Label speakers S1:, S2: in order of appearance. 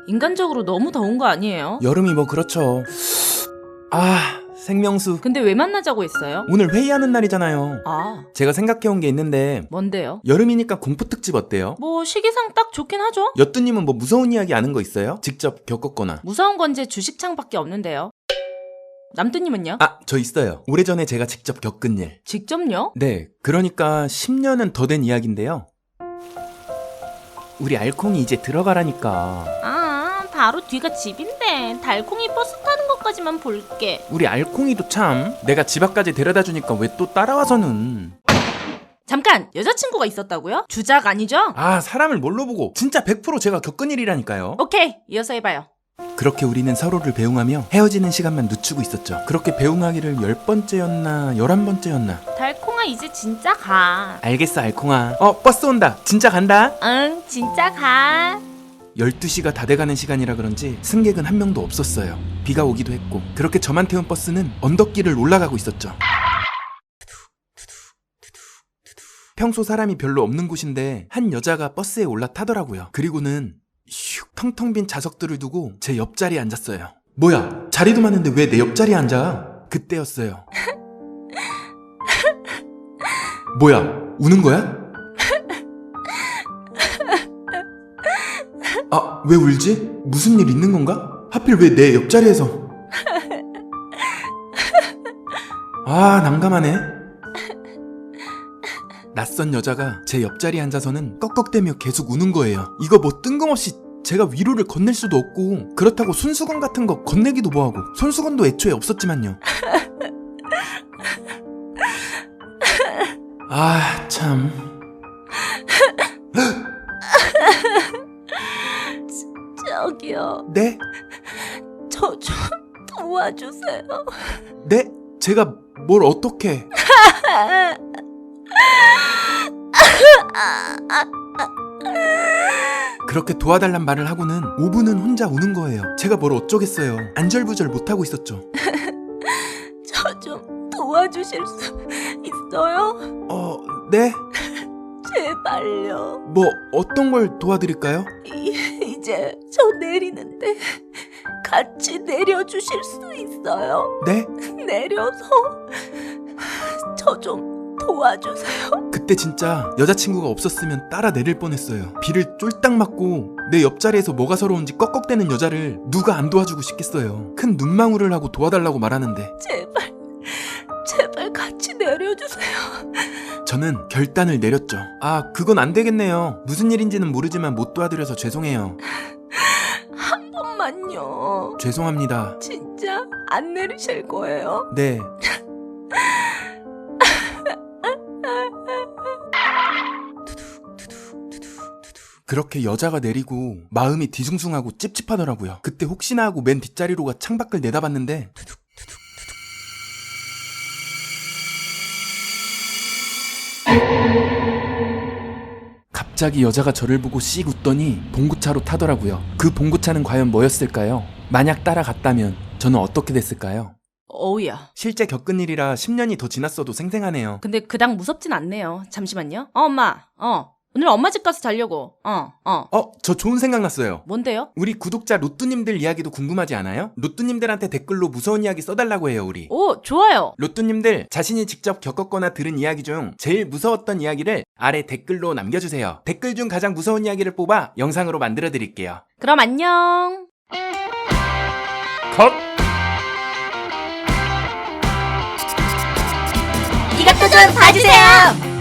S1: 인간적으로 너무 더운 거 아니에요?
S2: 여름이 뭐 그렇죠. 생명수.
S1: 근데 왜 만나자고 했어요?
S2: 오늘 회의하는 날이잖아요.
S1: 아,
S2: 제가 생각해온 게 있는데
S1: 뭔데요?
S2: 여름이니까 공포 특집 어때요?
S1: 뭐 시기상 딱 좋긴 하죠?
S2: 여뚜님은 뭐 무서운 이야기 아는 거 있어요? 직접 겪었거나.
S1: 무서운 건 제 주식창밖에 없는데요. 남뚜님은요?
S2: 저 있어요. 오래전에 제가 직접 겪은 일.
S1: 직접요?
S2: 네, 그러니까 10년은 더 된 이야기인데요. 우리 알콩이 이제 들어가라니까.
S1: 바로 뒤가 집인데 달콩이 버스 타는 것까지만 볼게.
S2: 우리 알콩이도 참, 내가 집 앞까지 데려다 주니까 왜 또 따라와서는.
S1: 잠깐! 여자친구가 있었다고요? 주작 아니죠?
S2: 사람을 뭘로 보고. 진짜 100% 제가 겪은 일이라니까요.
S1: 오케이, 이어서 해봐요.
S2: 그렇게 우리는 서로를 배웅하며 헤어지는 시간만 늦추고 있었죠. 그렇게 배웅하기를 10번째였나 11번째였나.
S1: 달콩아 이제 진짜 가.
S2: 알겠어 알콩아. 버스 온다. 진짜 간다.
S1: 응, 진짜 가.
S2: 12시가 다 돼가는 시간이라 그런지 승객은 한 명도 없었어요. 비가 오기도 했고. 그렇게 저만 태운 버스는 언덕길을 올라가고 있었죠. 평소 사람이 별로 없는 곳인데 한 여자가 버스에 올라타더라고요. 그리고는 슉 텅텅 빈 좌석들을 두고 제 옆자리에 앉았어요. 뭐야, 자리도 많은데 왜 내 옆자리에 앉아? 그때였어요. 뭐야, 우는 거야? 왜 울지? 무슨 일 있는 건가? 하필 왜 내 옆자리에서. 난감하네. 낯선 여자가 제 옆자리에 앉아서는 꺽꺽대며 계속 우는 거예요. 이거 뭐 뜬금없이 제가 위로를 건넬 수도 없고, 그렇다고 손수건 같은 거 건네기도 뭐하고. 손수건도 애초에 없었지만요. 참.
S1: 저기요.
S2: 네?
S1: 저 좀 도와주세요.
S2: 네? 제가 뭘 어떻게. 그렇게 도와달란 말을 하고는 5분은 혼자 우는 거예요. 제가 뭘 어쩌겠어요. 안절부절 못하고 있었죠.
S1: 저 좀 도와주실 수 있어요?
S2: 네?
S1: 제발요.
S2: 뭐 어떤 걸 도와드릴까요?
S1: 이제 저 내리는데 같이 내려주실 수 있어요?
S2: 네?
S1: 내려서 저 좀 도와주세요.
S2: 그때 진짜 여자친구가 없었으면 따라 내릴 뻔했어요. 비를 쫄딱 맞고 내 옆자리에서 뭐가 서러운지 꺽꺽대는 여자를 누가 안 도와주고 싶겠어요. 큰 눈망울을 하고 도와달라고 말하는데
S1: 제발 같이 내려주세요.
S2: 저는 결단을 내렸죠. 그건 안 되겠네요. 무슨 일인지는 모르지만 못 도와드려서 죄송해요.
S1: 한 번만요.
S2: 죄송합니다.
S1: 진짜 안 내리실 거예요?
S2: 네. 그렇게 여자가 내리고 마음이 뒤숭숭하고 찝찝하더라고요. 그때 혹시나 하고 맨 뒷자리로 가 창밖을 내다봤는데 갑자기 여자가 저를 보고 씩 웃더니 봉구차로 타더라고요. 그 봉구차는 과연 뭐였을까요? 만약 따라갔다면 저는 어떻게 됐을까요?
S1: 어우야.
S2: 실제 겪은 일이라 10년이 더 지났어도 생생하네요.
S1: 근데 그닥 무섭진 않네요. 잠시만요. 엄마. 오늘 엄마 집 가서 자려고.
S2: 저 좋은 생각 났어요.
S1: 뭔데요?
S2: 우리 구독자 로뚜님들 이야기도 궁금하지 않아요? 로뚜님들한테 댓글로 무서운 이야기 써달라고 해요, 우리.
S1: 오, 좋아요.
S2: 로뚜님들 자신이 직접 겪었거나 들은 이야기 중 제일 무서웠던 이야기를 아래 댓글로 남겨주세요. 댓글 중 가장 무서운 이야기를 뽑아 영상으로 만들어드릴게요.
S1: 그럼 안녕.
S2: 컷!
S1: 이것도 좀 봐주세요.